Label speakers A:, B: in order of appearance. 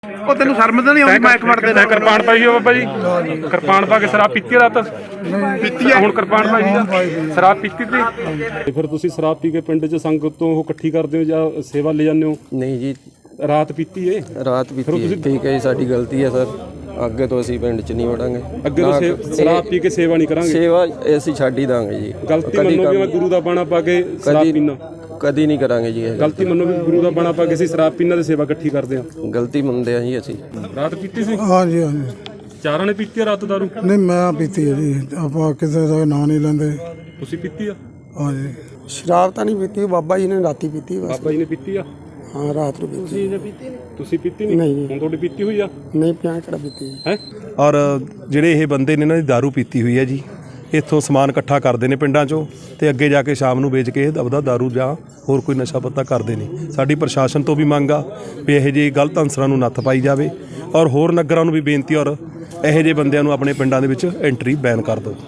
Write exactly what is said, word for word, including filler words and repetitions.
A: ਉਹ ਤੈਨੂੰ ਸ਼ਰਮ ਤਾਂ ਨਹੀਂ ਆਉਂਦੀ ਮਾਈਕ ਫੜਦੇ ਨੇ?
B: ਕਿਰਪਾਨ ਪਾਈ ਹੋ ਬਾਬਾ ਜੀ, ਕਿਰਪਾਨ ਪਾ ਕੇ ਸ਼ਰਾਬ ਪੀਤੀ ਰਾਤ
A: ਪੀਤੀ ਆ
B: ਹੁਣ ਕਿਰਪਾਨ ਪਾਈ ਸੀ ਸ਼ਰਾਬ ਪੀਤੀ ਤੇ ਫਿਰ ਤੁਸੀਂ ਸ਼ਰਾਬ ਪੀ ਕੇ ਪਿੰਡ 'ਚ ਸੰਗਤ ਤੋਂ ਉਹ ਇਕੱਠੀ ਕਰਦੇ ਹੋ ਜਾਂ ਸੇਵਾ ਲੈ ਜਾਂਦੇ ਹੋ?
C: ਨਹੀਂ ਜੀ,
B: ਰਾਤ ਪੀਤੀ ਏ?
C: ਰਾਤ ਪੀਤੀ ਹੈ। ਠੀਕ ਹੈ ਜੀ, ਸਾਡੀ ਗਲਤੀ ਹੈ ਸਰ, ਅੱਗੇ ਤੋਂ ਅਸੀਂ ਪਿੰਡ 'ਚ ਨਹੀਂ ਵੜਾਂਗੇ।
B: ਅੱਗੇ ਤੋਂ ਸੇ- ਸ਼ਰਾਬ ਪੀ ਕੇ ਸੇਵਾ ਨਹੀਂ ਕਰਾਂਗੇ।
C: ਸੇਵਾ ਅਸੀਂ ਛੱਡ ਹੀ ਦਾਂਗੇ ਜੀ।
B: ਗਲਤੀ ਮੰਨੋ ਵੀ ਮੈਂ ਗੁਰੂ ਦਾ ਬਾਣਾ ਪਾ ਕੇ ਸ਼ਰਾਬ ਪੀਣਾ?
C: ਕਦੀ ਨਹੀਂ ਕਰਾਂਗੇ ਜੀ ਇਹ
B: ਗਲਤੀ ਮੰਨੋ ਵੀ ਗੁਰੂ ਦਾ ਬਾਣਾ ਪਾ ਕੇ ਅਸੀਂ ਸ਼ਰਾਬ ਪੀਣਾ ਤੇ ਸੇਵਾ ਇਕੱਠੀ ਕਰਦੇ ਹਾਂ?
C: ਗਲਤੀ ਮੰਨਦੇ ਆ ਜੀ ਅਸੀਂ।
B: ਰਾਤ ਪੀਤੀ ਸੀ?
D: ਹਾਂਜੀ ਹਾਂਜੀ।
B: ਚਾਰਾਂ ਨੇ ਪੀਤੀ ਆ ਰਾਤ ਦਾਰੂ?
D: ਨਹੀਂ ਮੈਂ ਪੀਤੀ ਹੈ ਜੀ, ਆਪਾਂ ਕਿਸੇ ਦਾ ਨਾਂ ਨਹੀਂ ਲੈਂਦੇ।
B: ਤੁਸੀਂ ਪੀਤੀ ਆ?
D: ਹਾਂਜੀ।
E: ਸ਼ਰਾਬ ਤਾਂ ਨਹੀਂ ਪੀਤੀ, ਬਾਬਾ ਜੀ ਨੇ ਰਾਤੀ ਪੀਤੀ ਬਸ।
B: ਬਾਬਾ ਜੀ ਨੇ ਪੀਤੀ ਆ?
E: ਹਾਂ ਰਾਤ ਨੂੰ ਪੀਤੀ।
B: ਤੁਸੀਂ ਪੀਤੀ ਨਹੀਂ?
E: ਨਹੀਂ।
B: ਹੁਣ ਤੁਹਾਡੀ ਪੀਤੀ ਹੋਈ ਆ?
E: ਨਹੀਂ ਪਿਆ ਕਿਹੜਾ ਪੀਤੀ
B: ਹੈ।
F: ਔਰ ਜਿਹੜੇ ਇਹ ਬੰਦੇ ਨੇ ਇਹਨਾਂ ਦੀ ਦਾਰੂ ਪੀਤੀ ਹੋਈ ਹੈ ਜੀ, ਇੱਥੋਂ ਸਮਾਨ ਇਕੱਠਾ ਕਰਦੇ ਨੇ ਪਿੰਡਾਂ 'ਚੋਂ ਤੇ ਅੱਗੇ ਜਾ ਕੇ ਸ਼ਾਮ ਨੂੰ ਵੇਚ ਕੇ ਆਪਦਾ ਦਾਰੂ ਜਾਂ ਹੋਰ ਕੋਈ ਨਸ਼ਾ ਪੱਤਾ ਕਰਦੇ ਨੇ। ਸਾਡੀ ਪ੍ਰਸ਼ਾਸਨ ਤੋਂ ਵੀ ਮੰਗ ਆ ਵੀ ਇਹੋ ਜਿਹੇ ਗਲਤ ਅਨਸਰਾਂ ਨੂੰ ਨੱਥ ਪਾਈ ਜਾਵੇ ਔਰ ਹੋਰ ਨਗਰਾਂ ਨੂੰ ਵੀ ਬੇਨਤੀ ਔਰ ਇਹੋ ਜਿਹੇ ਬੰਦਿਆਂ ਨੂੰ ਆਪਣੇ ਪਿੰਡਾਂ ਦੇ ਵਿੱਚ ਐਂਟਰੀ ਬੈਨ ਕਰ ਦਿਓ।